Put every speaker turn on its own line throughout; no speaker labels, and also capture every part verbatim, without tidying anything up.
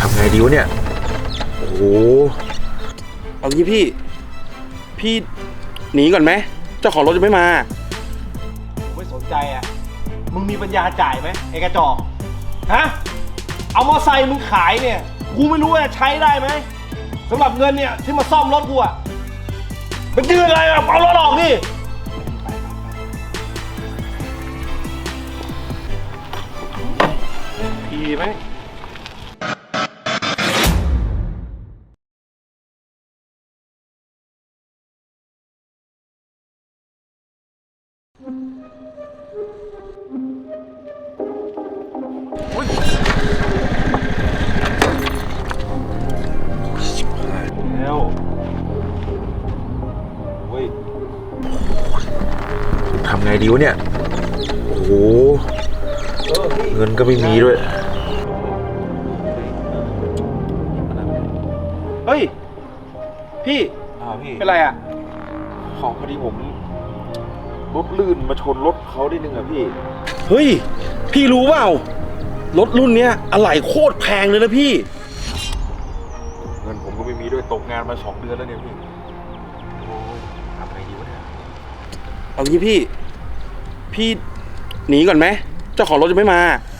ทำไงดีวะเนี่ยโอ้โห
เอางี้พี่พี่หนีก่อนไหมเจ้าของรถจะไม่มาไม่สนใจอ่ะมึงมีปัญญาจ่ายไหมไอ้กระจอกฮะเอามอไซค์มึงขายเนี่ยกูไม่รู้ว่าใช้ได้ไหมสำหรับเงินเนี่ยที่มาซ่อมรถกูอ่ะมันยืนอะไรอ่ะเอารถออกดิดีไหมแล้วเฮ้ย
ทำไงดีวะเนี่ยโอ้โหเงินก็ไม่มีด้วย
เฮ้ยพี่
อ้าวพี่
เป็นไรอ่ะ
ของพอดีผมรถลื่นมาชนรถเขาได้นึงอะพี่
เฮ้ยพี่รู้เปล่ารถรุ่นเนี้ยอะไหล่โคตรแพงเลยนะพี่
เงินผมก็ไม่มีด้วยตกงานมาสองเดือนแล้วเนี่ยพี่โอ้ยทำไงดีวะเนี่ย
เอางี้พี่พี่หนีก่อนไหมเจ้าของรถจะไม่มา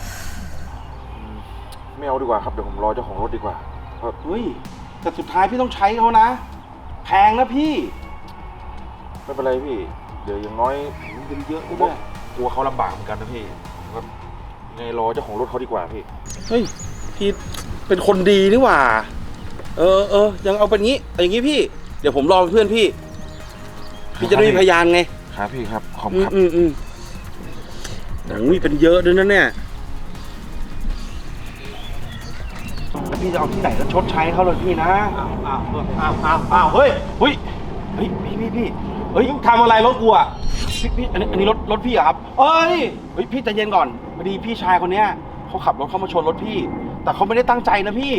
ไม่เอาดีกว่าครับเดี๋ยวผมรอเจ้าของรถดีกว่า
เฮ้ยแต่สุดท้ายพี่ต้องใช้เขานะแพงนะพี่
ไม่เป็นไรพี่เดี๋ยวอย่างน้อย
มันเป็นเยอะด้วย
กลัวเขาลำบากเหมือนกันนะพี่ก็ไงรอเจ้าของรถเขาดีกว่าพี่
เฮ้ยพี่เป็นคนดีนี่หว่าเออเออยังเอาเป็นงี้อย่างงี้พี่เดี๋ยวผมรอเพื่อนพี่พี่จะได้มีพยานไง
ครับพี่ครับขอบคุณครับ
อืมอืมโอ้ยเป็นเยอะด้วยนะเนี่ยแล้วพี่จะเอาที่ไหนก็ชดใช้เขาเลยพี่นะอ้าวอ้าวอ้าวอ้าวอ้าวเฮ้ยเฮ้ยเฮ้ยพี่พี่พี่เฮ้ยทำอะไรรถกูอ่ะพี่พี่อันนี้อันนี้รถรถพี่เหรอครับเอ้ยเฮ้ยพี่ใจเย็นก่อนพอดีพี่ชายคนเนี้ยเขาขับรถเข้ามาชนรถพี่แต่เขาไม่ได้ตั้งใจนะพี่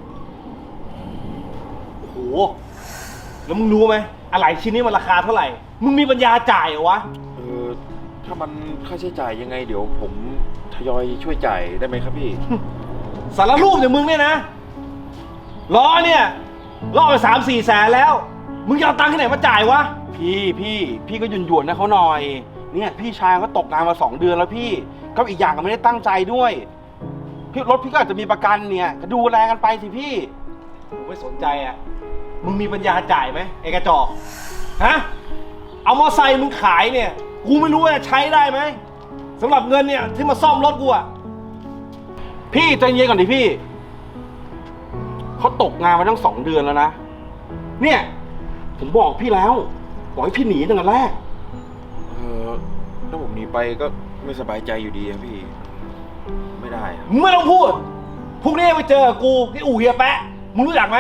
โอ้โหแล้วมึงรู้ไหมอะไรชิ้นนี้มันราคาเท่าไหร่มึงมีปัญญาจ่ายเหรอวะ
เออถ้ามันค่าใช้จ่ายยังไงเดี๋ยวผมทยอยช่วยจ่ายได้ไหมครับพี่
สารรูปอย่างมึงเนี่ยนะล้อเนี่ยล่อไปสามสี่แสนแล้วมึงจะเอาตังค์ที่ไหนมาจ่ายวะพี่พี่พี่ก็หยุ่นหยวนนะเขาหน่อยเนี่ยพี่ชายเขาตกงานมาสองเดือนแล้วพี่ก็อีกอย่างก็ไม่ได้ตั้งใจด้วยพี่รถพี่ก็อาจจะมีประกันเนี่ยก็ดูแลกันไปสิพี่ไม่สนใจอ่ะมึงมีปัญญาจ่ายไหมไอ้กระจอกฮะเอามอไซค์มึงขายเนี่ยกูไม่รู้ว่าใช้ได้ไหมสำหรับเงินเนี่ยที่มาซ่อมรถกูอ่ะพี่ใจเย็นก่อนดิพี่เขาตกงานมาตั้งสองเดือนแล้วนะเนี่ยผมบอกพี่แล้วบอกให้พี่หนีตั้งแต่แรก
เออถ้าผมหนีไปก็ไม่สบายใจอยู่ดีอะพี่ไม่ได้
ไม่ต้องพูดพรุ่งนี้ไปเจอกูที่อู่เฮียแปะมึงรู้จักไหม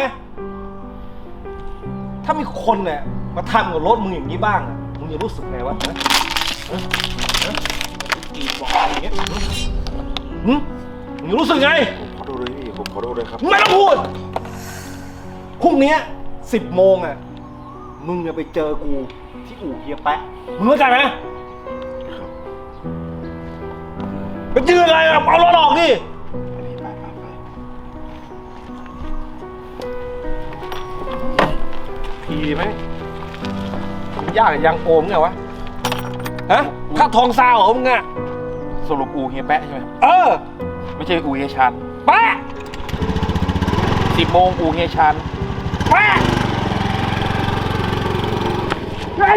ถ้ามีคนเนี่ยมาทำกับรถมึงอย่างนี้บ้างมึงจะรู้สึกไงวะฮะฮะกีบบอกอะไรอย่างเงี้ยหืมมึงรู้สึกไง
ผมขอโทษด้วยพี่ผมขอโทษด้วยครับ
ไม่ต้องพูดพรุ่งนี้สิบโมงอ่ะมึงจะไปเจอกูที่อู่เฮียแปะมึงเข้าใจไหม
ครับ
ไปยืนอะไรอ่ะเอารถออกดิทีไหมยากยังโอมไงวะฮะถ้าทองซาวเหรอมึงอ่ะ
สรุปอู่เฮียแปะใช่ไหม
เออ
ไม่ใช่อู่เฮียชัน
แปะ
สิบโมงอู่เฮียชัน
แปะไอ้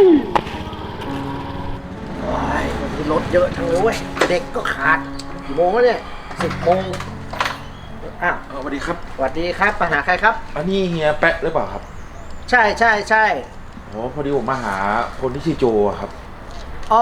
วันนี้รถเยอะทั้งเลยเว้ยเด็กก็ขาดกี่โมงแล้วเนี่ยสิบโมงอ้าว
สวัสดีครับ
สวัสดีครับมาหาใครครับ
อันนี้เฮียแปะหรือเปล่าครับ
ใช่ใช่ใช่
โอ้พอดีผมมาหาคนที่ชื่อโจครับ
อ๋อ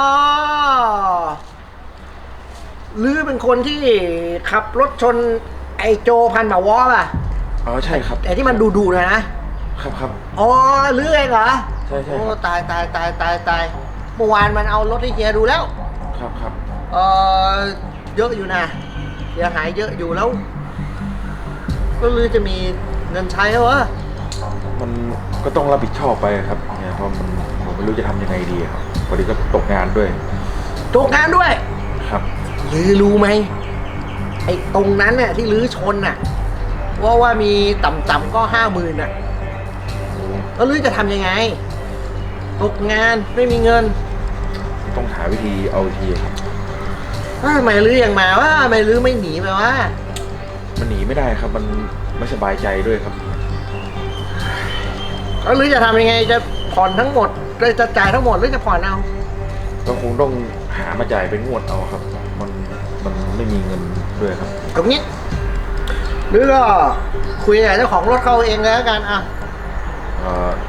หรือเป็นคนที่ขับรถชนไอโจพันหมาวอป่ะ
อ๋อใช่ครับ
ไอที่มันดูๆนะครับ
ครับ
อ๋อหรือเองเหรอ
ใช่ใช่
โอ้ตายตายตายตายตายเมื่อวานมันเอารถให้เฮียดูแล้ว
ครับครับ
เออเยอะอยู่นะเสียหายเยอะอยู่แล้วก็ลือจะมีเงินใช้เหรอ
มันก็ต้องรับผิดชอบไปครับเนี่ยเพราะมันผมไม่รู้จะทำยังไงดีครับพอดีก็ตกงานด้วย
ตกงานด้วย
ครับ
ลือรู้ไหมไอ้ตรงนั้นเนี่ยที่ลือชนน่ะ
ว่าว่ามีต่ำๆก็ห้าหมื่นอ่ะแล้วลือจะทำยังไงตกงานไม่มีเงิน
ต้องหาวิธีเอาวิธีครับ
ว่าทำไมลือยังมาว่าทำไมลือไม่หนีไปว่า
มันหนีไม่ได้ครับ มันไม่สบายใจด้วยครับ
แล้วลือจะทำยังไงจะผ่อนทั้งหมดเลยจะจ่ายทั้งหมดหรือจะผ่อนเอา
ก็คงต้องหามาจ่ายเป็นงวดเอาครับ มันมันไม่มีเงินด้วยครับ
ตรงนี้หรือก็คุยกับเจ้าของรถเขาเองเลยแล้วกันอ่ะ
เอ่อ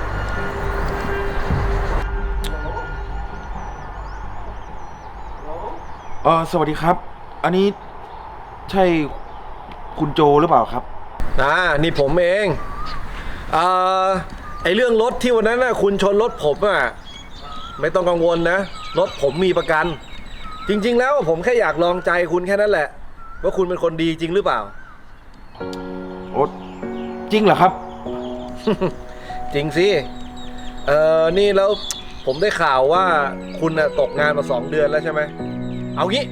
เออสวัสดีครับ อันนี้ใช่คุณโจหรือเปล่าครับ
อ่านี่ผมเองอ่าไอเรื่องรถที่วันนั้นนะคุณชนรถผมอ่ะไม่ต้องกังวลนะรถผมมีประกัน จริงๆแล้วผมแค่อยากลองใจคุณแค่นั้นแหละว่าคุณเป็นคนดีจริงหรือเปล่า
โอ๊ตจริงเหรอครับ
จริงสิเออนี่แล้วผมได้ข่าวว่าคุณน่ะตกงานมาสองเดือนแล้วใช่ไหมเอางี้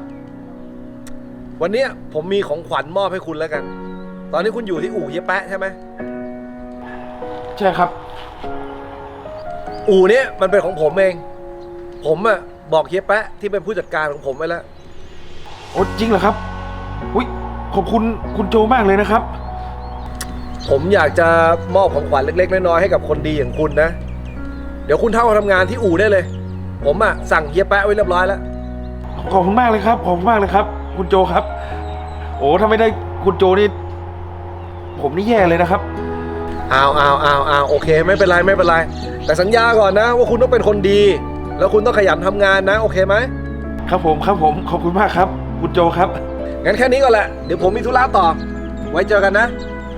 วันเนี้ยผมมีของขวัญมอบให้คุณแล้วกัน ตอนนี้คุณอยู่ที่อู่เยแปะใช่ไหม
ใช่ครับ
อู่เนี้ยมันเป็นของผมเอง ผมอะบอกเฮียแปะที่เป็นผู้จัดการของผมไว้แล้ว
โอ๊ตจริงเหรอครับอุ้ยขอบคุณคุณโจมากเลยนะครับ
ผมอยากจะมอบของขวัญเล็กๆน้อยๆให้กับคนดีอย่างคุณนะ เดี๋ยวคุณเข้ามาทำงานที่อู่ได้เลย ผมอะสั่งเฮียแปะไว้เรียบร้อยแล้ว
ขอบคุณมากเลยครับ ขอบคุณมากเลยครับ คุณโจครับ โอ้ถ้าไม่ได้คุณโจนี่ผมนี่แย่เลยนะครับ
อ้าวอ้าวอ้าวอ้าวโอเคไม่เป็นไรไม่เป็นไร แต่สัญญาก่อนนะว่าคุณต้องเป็นคนดี แล้วคุณต้องขยันทำงานนะโอเคไหม
ครับผมครับผมขอบคุณมากครับ คุณโจครับ
งั้นแค่นี้ก่อนแหละ เดี๋ยวผมมีธุระต่อ ไว้เจอกันนะ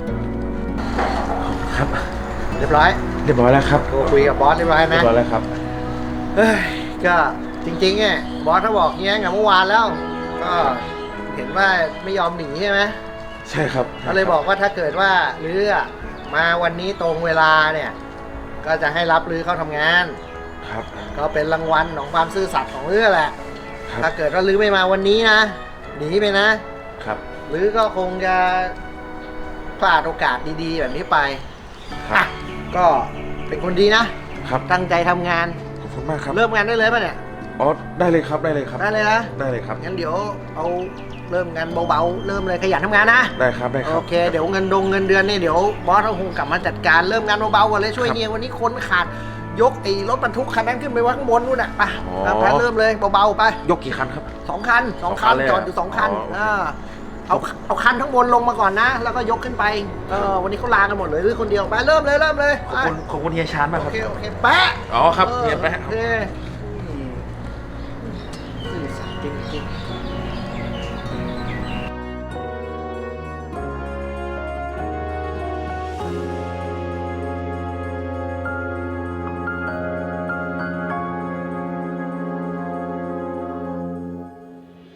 ครับ
เรียบร้อย
เรียบร้อยแล้วครับ
โทรคุยกับบอสเรียบร้อย
เรี
นะ
ยบร้อยแล้วครับ
เฮ้ยก็จริงๆเนี่ยบอสเขาบอกเงี้ยกับเมื่อวานแล้ว ก็เห็นว่าไม่ยอมหนีใช่ไหม
ใช่ครับ
เขาเลยบอกว่าถ้าเกิดว่าลืออะมาวันนี้ตรงเวลาเนี่ย ก็จะให้รับลือเข้าทำงาน
ครับ
ก็เป็นรางวัลของความซื่อสัตย์ของลือแหละ
ครับ
ถ้าเกิดว่าลือไม่มาวันนี้นะหนีไปนะ
ครับ
ลือก็คงจะพลาดโอกาสดีๆแบบนี้ไป
ครับ
อ่ะก็เป็นคนดีนะ
ครับ
ตั้งใจทำงาน
ขอบคุณมากครับ
เริ่มงานได้เลยป่ะเนี่ย
อ๋อได้เลยครับได้เลยครับ
ได้เลยนะ
ได้เลยครับ
งั้นเดี๋ยวเอาเริ่มงานเบาๆ เริ่มเลยขยันทำงานนะ
ได้ครับได้ครับ
โอเค เดี๋ยวเงินดงเงินเดือนเนี่ยเดี๋ยวบอสเขาคงกลับมาจัดการเริ่มงานเบาๆก่อนเลยช่วย
ครับ
เนี่ยวันนี้คนขาดยกไอ้รถบรรทุกคันนั้นขึ้นไปไว้ข้างบนนู่นน่ะไป
อ๋อ
ครับแพทเริ่มเลยเบาๆไป
ยกกี่คันครับ
สองคันสองคัน
สองคันเลย
จอดอยู่สองคัน
อ๋อ
าเอาเอาคันทั้งบนลงมาก่อนนะ แล้วก็ยกขึ้นไปเออวันนี้เขาลากันหมดเลยหรือคนเดียวไปเริ่มเลยเริ่มเลย
ขอบคุณขอบคุณเฮียชานมาก
โอ
ครับ
เคโอเคแปะ
อ๋อครับ
ออ
เฮียแปะ
โอเคอืมซื่อสัตย์จริงๆ